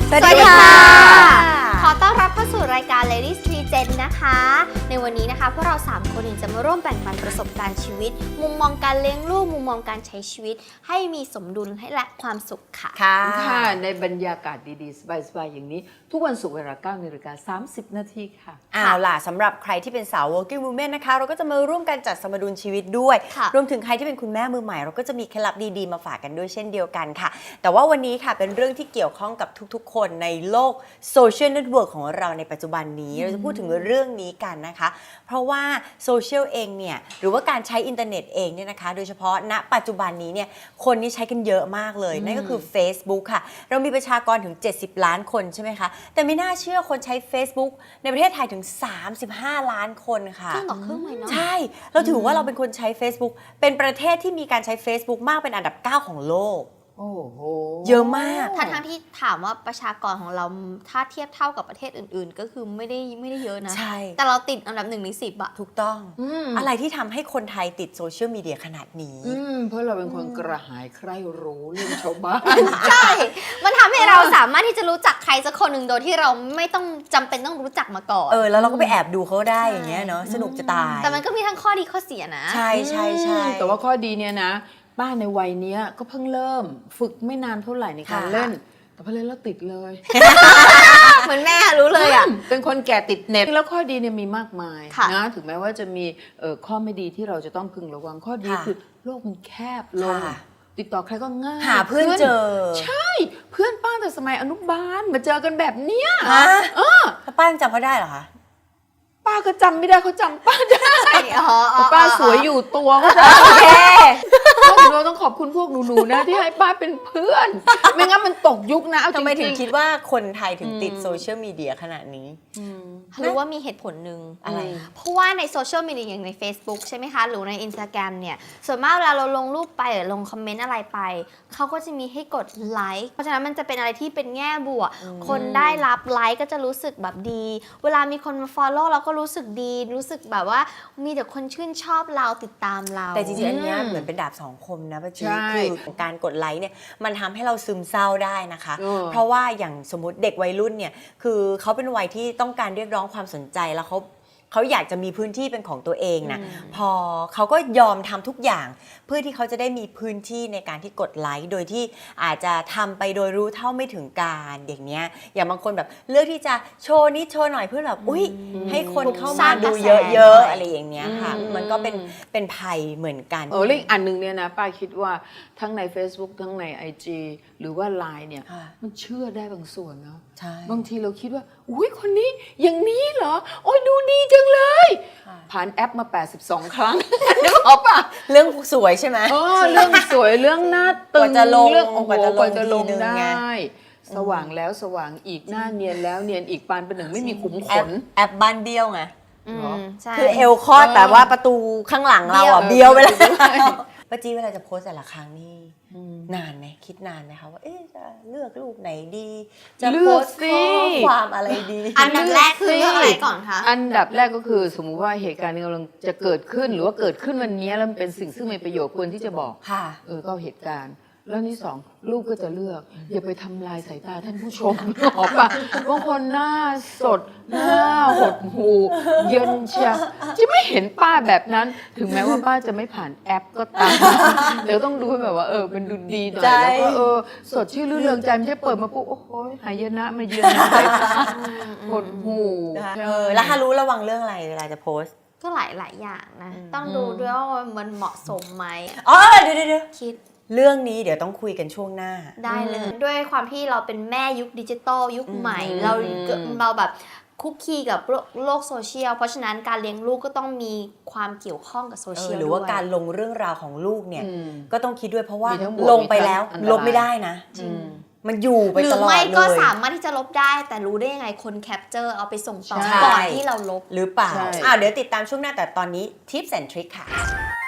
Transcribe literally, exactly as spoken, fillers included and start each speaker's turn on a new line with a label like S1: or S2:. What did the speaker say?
S1: สวัสดีค่ะ
S2: ขอต้อนรับเข้าสู่รายการ Ladies Tree Gen นะคะในวันนี้นะคะพวกเราสามคนจะมาร่วมแบ่งปันประสบการณ์ชีวิตมุมมองการเลี้ยงลูกมุมมองการใช้ชีวิตให้มีสมดุลให้และความสุขค่ะ
S1: ค่ะในบรรยากาศดีๆสบายๆอย่างนี้ทุกวันศุกร์เวลาเก้านาฬิกาสามสิบนาทีค่ะ
S3: เอาล่ะสำหรับใครที่เป็นสาว working woman นะคะเราก็จะมาร่วมกันจัดสมดุลชีวิตด้วยรวมถึงใครที่เป็นคุณแม่มือใหม่เราก็จะมีเคล็ดลับดีๆมาฝากกันด้วยเช่นเดียวกันค่ะแต่ว่าวันนี้ค่ะเป็นเรื่องที่เกี่ยวข้องกับทุกๆคนในโลกโซเชียลเน็ตเวิร์กของเราในปัจจุบันนี้เราจะพูดถึงเรื่องนี้กันนะคะเพราะว่าโซเชียลเองเนี่ยหรือว่าการใช้อินเทอร์เน็ตเองเนี่ยนะคะโดยเฉพาะณปัจจุบันนี้เนี่ยคนนี่ใช้กันเยอะมากเลยนั่นก็คือ Facebook ค่ะเรามีประชากรถึงเจ็ดสิบล้านคนใช่ไหมคะแต่ไม่น่าเชื่อคนใช้ Facebook ในประเทศไทยถึงสามสิบห้าล้านคนค่ะ
S2: ครึ่งต่อครึ่งเลยเนาะ
S3: ใช่เราถือว่าเราเป็นคนใช้ Facebook เป็นประเทศที่มีการใช้ Facebook มากเป็นอันดับเก้าของโลก
S1: โอ้โห
S3: เยอะมาก
S2: ทั้งทั้งที่ถามว่าประชากรของเราถ้าเทียบเท่ากับประเทศอื่นๆก็คือไม่ได้ไม่ได้เยอะนะ
S3: ใช่
S2: แต่เราติดอันดับหนึ่งในสิบอะ
S3: ถูกต้องอะไรที่ทำให้คนไทยติดโซเชียลมีเดียขนาดนี้
S1: เพราะเราเป็นคนกระหายใคร่รู้เรื่องชาวบ้าน
S2: ใช่มันทำให้เราสามารถที่จะรู้จักใครสักคนหนึ่งโดยที่เราไม่ต้องจำเป็นต้องรู้จักมาก่อน
S3: เออแล้วเราก็ไปแอบดูเขาได้อย่างเงี้ยเนาะสนุกจะตาย
S2: แต่มันก็มีทั้งข้อดีข้อเสียนะ
S3: ใช่ใช่ใช่
S1: แต่ว่าข้อดีเนี่ยนะป้าในวัยนี้ก็เพิ่งเริ่มฝึกไม่นานเท่าไหร่ในการเล่นแต่พอเล่นแล้วติดเลย
S2: เหมือนแม่รู้เลยอ่ะ
S1: เป็นคนแก่ติดเน็ตแล้วข้อดีเนี่ยมีมากมายนะถึงแม้ว่าจะมีข้อไม่ดีที่เราจะต้องพึงระวังข้อดีคือโลกมันแคบลงติดต่อใครก็ง่าย
S3: หาเพื่อนเจอ
S1: ใช่เพื่อนป้าแต่สมัยอนุบาลมาเจอกันแบบเนี้ย
S3: เออป้ายังจำเขาได้เหรอคะ
S1: ป้าก็จำไม่ได้เขาจำป้าได้ป้าสวยอยู่ตัวเขาจะ
S3: โอเค
S1: เราต้องขอบคุณพวกหนูๆนะที่ให้ป้าเป็นเพื่อนไม่งั้นมันตกยุคนะ
S3: ทำไมถึงคิดว่าคนไทยถึงติดโซเชียลมีเดียขนาดนี้
S2: หรือว่ามีเหตุผลหนึ่ง
S3: อะไร
S2: เพราะว่าในโซเชียลมีเดียอย่างใน Facebook ใช่ไหมคะหรือใน Instagram เนี่ยส่วนมากเวลาเราลงรูปไปหรือลงคอมเมนต์อะไรไปเขาก็จะมีให้กดไลค์เพราะฉะนั้นมันจะเป็นอะไรที่เป็นแง่บวกคนได้รับไลค์ก็จะรู้สึกแบบดีเวลามีคนมา follow เราก็รู้สึกดีรู้สึกแบบว่ามีแต่คนชื่นชอบเราติดตามเรา
S3: แต่จริงๆอันนี้เหมือนเป็นดาบสองคมนะป้าจีคือการกดไลค์เนี่ยมันทำให้เราซึมเศร้าได้นะคะเพราะว่าอย่างสมมติเด็กวัยรุ่นเนี่ยคือเขาเป็นวัยที่ต้องการเรียกร้องความสนใจแล้วเขาเขาอยากจะมีพื้นที่เป็นของตัวเองนะพอเขาก็ยอมทำทุกอย่างเพื่อที่เขาจะได้มีพื้นที่ในการที่กดไลค์โดยที่อาจจะทำไปโดยรู้เท่าไม่ถึงการอย่างเนี้ยอย่างบางคนแบบเลือกที่จะโชว์นิดโชว์หน่อยเพื่อแบบอุ้ยให้คนเข้ามาดูเยอะๆอะไรอย่างเนี้ยค่ะมันก็เป็นเป็นภัยเหมือนกัน
S1: เออแล้วอีกอันนึงเนี่ยนะป้าคิดว่าทั้งใน Facebook ทั้งใน ไอ จี หรือว่า ไลน์ เนี่ยมันเชื่อได้บางส่วนเนาะบางทีเราคิดว่าอุ้ยคนนี้อย่างนี้เหรอโอ้ยดูดีจังเลยผ่านแอปมาแปดสิบสองครั้งนึกออกป่ะ
S3: เรื่องสวยใช่ไหม
S1: อ๋อเรื่องสวยเรื่องหน้าตึงเรื่องโอ้โหกว่าจะลงได้สว่างแล้วสว่างอีกหน้าเนียนแล้วเนียนอีกปานเป็นหนึ่งไม่มีขุมขน
S3: แอปบ้านเบี้ยวไงคือเอวคอดแต่ว่าประตูข้างหลังเราอ่ะเบี้ยวไปแล้วป้าจี้เวลาจะโพสแต่ละครั้งนี่นานไหมคิดนานไหมคะว่าเอ๊ะจะเลือกรูปไหนดีจะโพสข้อความอะไรดี
S2: อันดับแรกคือเรื่องอะไรก่อนคะ
S1: อันดับแรกก็คือสมมุติว่าเหตุการณ์นี้กำลังจะเกิดขึ้นหรือว่าเกิดขึ้นวันนี้แล้วมันเป็นสิ่งซึ่งมีประโยชน์ควรที่จะบอกเออก็เหตุการณ์แล้วนี่สองลูกก็จะเลือกอย่าไปทำลายสายตาท่านผู้ชมออกปะบางคนหน้าสดหน้าหดหูเย็นเชียวจะไม่เห็นป้าแบบนั้นถึงแม้ว่าป้าจะไม่ผ่านแอปก็ตามเดี๋ยวต้องดูแบบว่าเออเป็นดูดีหน่อยแล้วก็เออสดชื่นรื่นเริงใจไม่ใช่เปิดมาปุ๊บโอ้โหหายนะมาเยือนหดหู
S3: แล้วถ้ารู้ระวังเรื่องอะไรเวลาจะโพส
S2: ก็หลายหลายอย่างนะต้องดูด้วยว่ามันเหมาะสมไหม
S3: อ๋อเดี๋ยวเดี๋ยว
S2: คิด
S3: เรื่องนี้เดี๋ยวต้องคุยกันช่วงหน้า
S2: ได้เลยด้วยความที่เราเป็นแม่ยุคดิจิตอลยุคใหม่เราเราแบบคุกคีกับโลกโซเชียลเพราะฉะนั้นการเลี้ยงลูกก็ต้องมีความเกี่ยวข้องกับโซเชียล
S3: หรือว่าการลงเรื่องราวของลูกเนี่ยก็ต้องคิดด้วยเพราะว่าลงไปแล้วลบไม่ได้นะมันอยู่ไปตลอดเลยหรือ
S2: ไม่ก็สามารถที่จะลบได้แต่รู้ได้ยังไงคนแคปเจอร์เอาไปส่งต่อก่อนที่เราลบ
S3: หรือเปล่าอ้าวเดี๋ยวติดตามช่วงหน้าแต่ตอนนี้ทิปส์แอนด์ทริคค่ะ